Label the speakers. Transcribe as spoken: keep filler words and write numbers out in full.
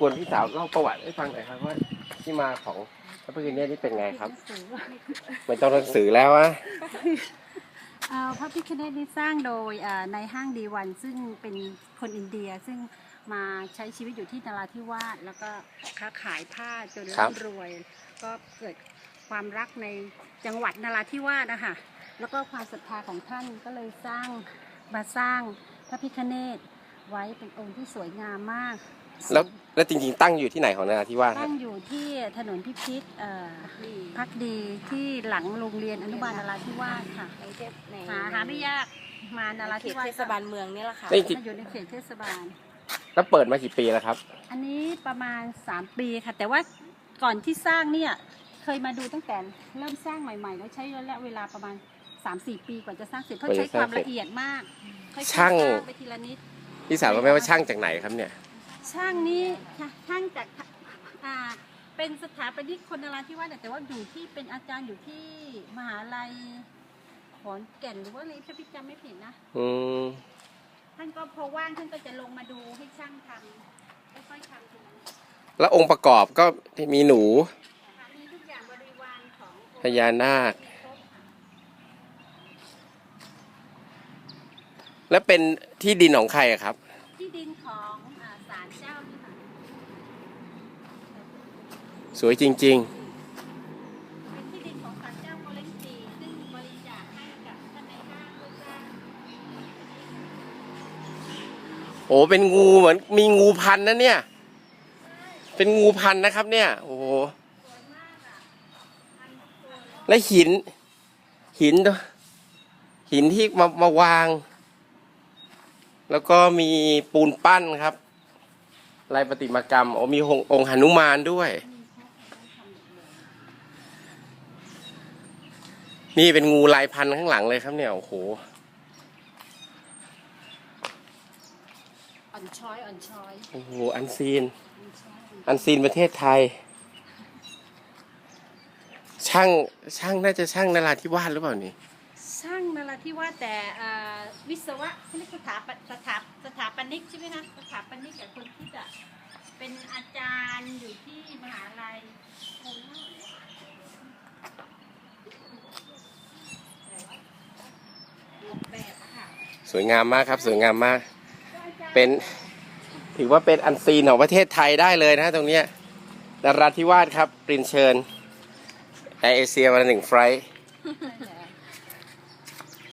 Speaker 1: กวนพี่สาวเล่าประวัติให้ฟังหน่อยครับว่าที่มาของพระพิฆเนศนี่เป็นไงครับไม่ต้องหนังสือแล้วอะ
Speaker 2: พระพิฆเนศนี้สร้างโดยในห้างดีวันซึ่งเป็นคนอินเดียซึ่งมาใช้ชีวิตอยู่ที่นราธิวาสแล้วก็ค้าขายผ้าจนร่ำรวยก็เกิดความรักในจังหวัดนราธิวาสนะคะแล้วก็ความศรัทธาของท่านก็เลยสร้างมาสร้างพระพิฆเนศไว้เป็นองค์ที่สวยงามมาก
Speaker 1: แล้วแล้วจริงๆตั้งอยู่ที่ไหนของนราธิวาส
Speaker 2: ตั้งอยู่ที่ถนนพิพิธพักดีที่หลังโรงเรียนอนุบาลนราธิวาสค่ะหาหาไม่ยากมานราธิวาส
Speaker 3: เทศบาลเมืองนี่แหละค่ะ
Speaker 2: อยู่ในเขตเทศบาล
Speaker 1: แล้วเปิดมากี่ปีแล้วครับ
Speaker 2: อันนี้ประมาณสามปีค่ะแต่ว่าก่อนที่สร้างเนี่ยเคยมาดูตั้งแต่เริ่มสร้างใหม่ๆแล้วใช้ระยะเวลาประมาณ สามสี่ ปีกว่าจะสร้างเสร็จเพราะใช้ความละเอียดมาก
Speaker 1: ช่าง
Speaker 2: ไปทีละนิด
Speaker 1: พี่สาวรู้ไหมว่าช่างจากไหนครับเนี่ย
Speaker 2: ช่างนี้ช่างจากอ่าเป็นสถาปนิกคนนราธิวาสแต่ว่าอยู่ที่เป็นอาจารย์อยู่ที่มหาลัยขอนแก่นหรือว่าอะไรถ้าพี่จำไม่ผิดนะ
Speaker 1: อืม
Speaker 2: ท่านก็พอว่างท่านก็จะลงมาดูให้ช่างทำค่อยๆทำทีละนิด
Speaker 1: แล้วองค์ประกอบก็มีหนู
Speaker 2: มีทุกอย่างบริวารของ
Speaker 1: พญานาคแล้วเป็นที่ดินของใครอะครับ
Speaker 2: ที่ดินของศาลเจ้านี่ค่ะ
Speaker 1: สวยจริงๆ
Speaker 2: เป็นที่ดินของศาลเจ้าโมเลนจีซึ่งบริจาคให้กับท่านในห้างเพื่อสร้าง
Speaker 1: โอ้เป็นงูเหมือนมีงูพันนะเนี่ยเป็นงูพันนะครับเนี่ยโอ้โหและหินหินหินที่มามาวางแล้วก็มีปูนปั้นครับลายประติมากรรมโอ้มีองค์หนุมานด้วยนี่เป็นงูลายพันธุ์ข้างหลังเลยครับเนี่ยโอ้โห
Speaker 2: อ่อนช้อยอ่อนช้อย
Speaker 1: โอ้โหอันซีนอันซีนประเทศไทยช่างช่างน่าจะช่างนราธิวาสหรือเปล่านี่
Speaker 2: ช่างนราธิวาสแต่วิศวะนี่สถาปสถาสถาปนิกใช่ไหมคะสถาปนิกกับคนที่จะเป็นอาจารย์อยู่ที่มหาลัยแบบค่ะ
Speaker 1: สวยงามมากครับสวยงามมากเป็นถือว่าเป็นอันซีนของประเทศไทยได้เลยนะตรงเนี้ยนราธิวาสครับเรียนเชิญแอร์เอเชียวันหนึ่งไฟล์